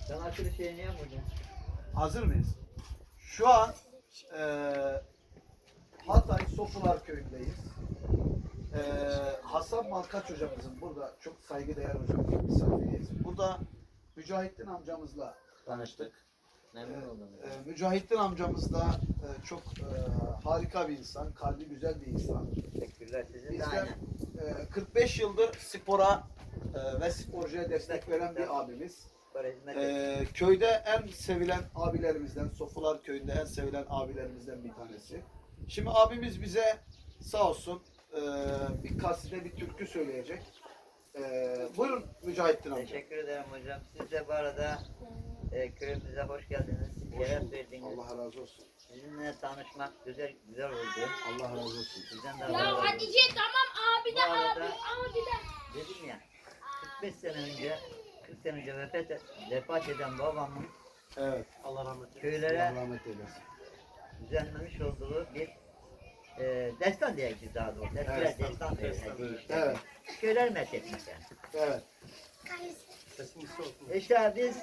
Ben açılış şeyini yapmadım. Hazır mıyız? Şu an Hatay Sofular köyündeyiz. Hasan Malkaç hocamızın burada çok saygıdeğer hocamızın misafiriyiz. Burada Mücahittin amcamızla tanıştık. Memnun oldum. Mücahittin amcamız da çok harika bir insan, kalbi güzel bir insan. Teşekkürler sizin de Bizden aynen. 45 yıldır spora ve sporcuya destek veren bir abimiz. Para hizmet et. Köyde en sevilen abilerimizden, Sofular köyünde en sevilen abilerimizden bir tanesi. Şimdi abimiz bize sağ olsun bir kaside, bir türkü söyleyecek. Buyurun Mücahittin amca. Teşekkür ederim hocam. Siz de bu arada köyümüze hoş geldiniz. Hoş Şeref bulduk. verdiniz. Allah razı olsun. Sizinle tanışmak güzel oldu. Allah razı olsun. Sizden de Ya Allah razı olsun. Hatice tamam abi de Bu arada- abi de. Dedim ya 40 sene önce vefat eden babamın Evet. Allah rahmet eylesin. köylere Allah rahmet eylesin. düzenlemiş olduğu bir destan diyeceğiz daha doğrusu. Eskiler Evet. destan diyor. Evet. Köyler methetmiş yani. Evet. İşte biz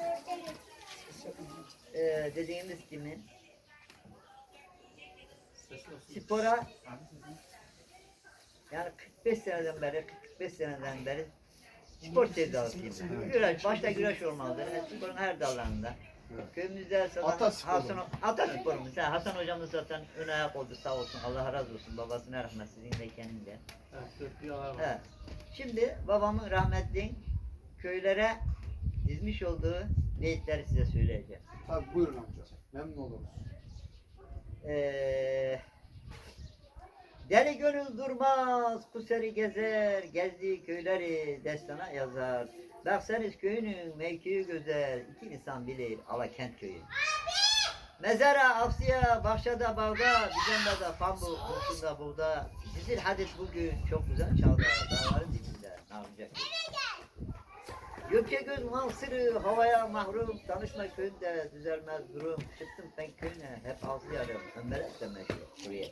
dediğimiz gibi spora yani 45 seneden beri spor sevdalısıyım. Güreş, başta güreş olmalıdır. Sporun her dallarında. Köyümüzde Ata zaten sporu. Ata sporumuz. Hasan hocamız zaten ön ayak oldu sağ olsun. Allah razı olsun. Babasına rahmet sizin de kendin de. Evet. Şimdi babamın rahmetli köylere dizmiş olduğu beyitleri size söyleyeceğim. Tabii buyurun amca. Memnun oluruz. Deli gönül durmaz, kuseri gezer, gezdiği köyleri destana yazar. Baksanız köyünün mevkii güzel, iki insan bilir Alakent köyü. Mezara, afsiya, bahçada, bağda, düzende pamuk, kurşunda buğda. Dizil hadis bugün çok güzel çaldı, dağların dibinde, narınca Gökçe göz mansırı, havaya mahrum, tanışma köyünde düzelmez durum. Çıktım ben köyüne, hep altı yarım, ömbelet de meşhur, buraya.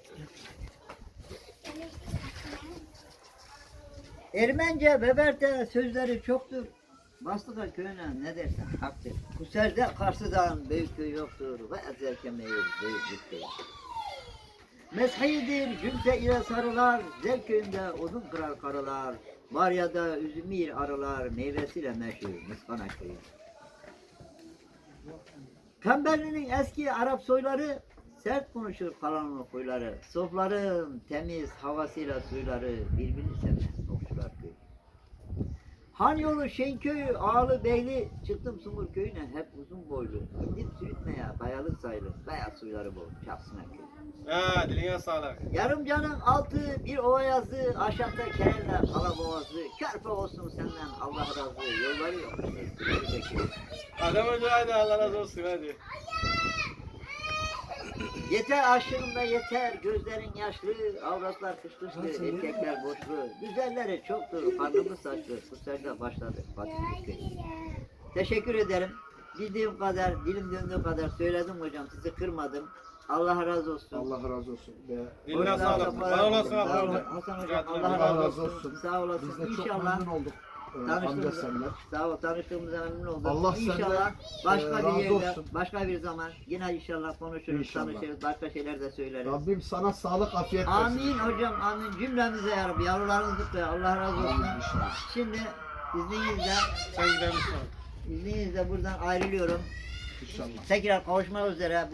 Ermence Beber'de sözleri çoktur. Bastıka köyüne ne dersen haktır. Kuserde Kars'dan büyük köy yoktur. Ve ezerken meyil büyük köy. Meshidir cümse ile sarılar. Zel köyünde odun kırar karılar. Marya'da üzümür arılar. Meyvesiyle meşhur Mıskana köyü. Pemberli'nin eski Arap soyları sert konuşur kalanın huyları. Sofların temiz havasıyla suyları birbirini sevmez okçular köyü. Han yolu Şenköy, Ağlı Beyli, çıktım Sumur köyüne hep uzun boylu. İndim sürütmeye, kayalık sayılır, kaya suyları bol, Çapsına köyü. Ha, diline sağlık. Yarımcanın altı, bir ova yazı, aşağıda kereler, kala boğazı, körpe olsun senden Allah razı, yolları yok. Adam önce hadi Allah razı olsun hadi. Yeter aşkında yeter, gözlerin yaşlı, avratlar kışkışlı, erkekler boşlu, güzelleri çoktur, karnımız saçlı, kusacda başladı Fatih Köyü. Teşekkür ederim. Bildiğim kadar, dilim döndüğü kadar söyledim hocam, sizi kırmadım. Allah razı olsun. Allah razı olsun. Diline sağlık. Var olasın Sağ abi. olun. Hasan hocam, Allah Allah razı olsun. Sağ Biz olasın. de çok İnşallah. memnun olduk. Amca Tanıştığımıza, senler. sağ ol, tanıştığımıza memnun oldum. Allah İnşallah senden, başka bir razı yerde, olsun. başka bir zaman yine inşallah konuşuruz, İnşallah. tanışırız, başka şeyler de söyleriz. Rabbim sana sağlık, afiyet versin. Amin hocam, amin. Cümlemize ya Rabbi, yavrularınızı da Allah razı olsun. Amin inşallah. Şimdi izninizle, Sen gidebilirsin. izninizle buradan ayrılıyorum. İnşallah. Tekrar kavuşmak üzere.